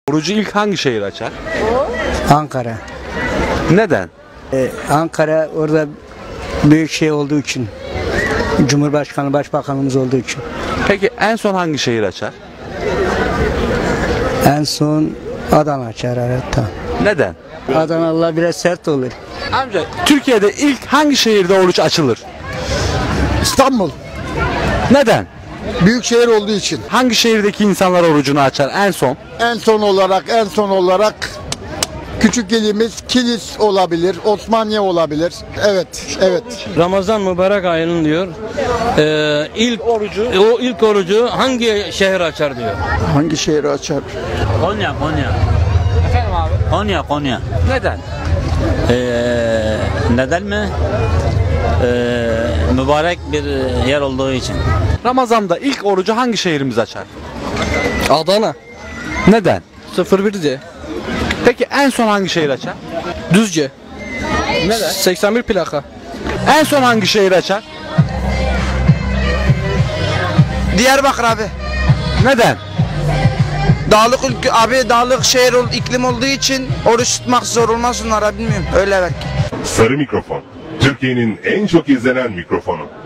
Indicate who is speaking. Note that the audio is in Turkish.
Speaker 1: Orucu ilk hangi şehir açar?
Speaker 2: Ankara.
Speaker 1: Neden?
Speaker 2: Ankara orada büyük şey olduğu için. Cumhurbaşkanı, başbakanımız olduğu için.
Speaker 1: Peki en son hangi şehir açar?
Speaker 2: En son Adana açar hatta.
Speaker 1: Neden?
Speaker 2: Adanalılar biraz sert olur.
Speaker 1: Amca Türkiye'de ilk hangi şehirde oruç açılır?
Speaker 3: İstanbul.
Speaker 1: Neden?
Speaker 3: Büyük şehir olduğu için.
Speaker 1: Hangi şehirdeki insanlar orucunu açar en son?
Speaker 3: En son olarak küçük ilimiz Kilis olabilir, Osmaniye olabilir. Evet.
Speaker 4: Ramazan mübarek ayının diyor. İlk orucu hangi şehir açar diyor.
Speaker 3: Hangi şehri açar?
Speaker 4: Konya.
Speaker 1: Efendim abi?
Speaker 4: Konya.
Speaker 1: Neden?
Speaker 4: Neden mi? Mübarek bir yer olduğu için.
Speaker 1: Ramazan'da ilk orucu hangi şehrimiz açar?
Speaker 5: Adana.
Speaker 1: Neden?
Speaker 5: 01'de.
Speaker 1: Peki en son hangi şehir açar?
Speaker 5: Düzce.
Speaker 1: Neden?
Speaker 5: 81 plaka.
Speaker 1: En son hangi şehir açar?
Speaker 6: Diyarbakır abi.
Speaker 1: Neden?
Speaker 6: Dağlık ülke abi, dağlık şehir iklim olduğu için oruç tutmak zor olmaz onlara, bilmiyorum. Öyle belki.
Speaker 7: Sarı Mikrofon, Türkiye'nin en çok izlenen mikrofonu.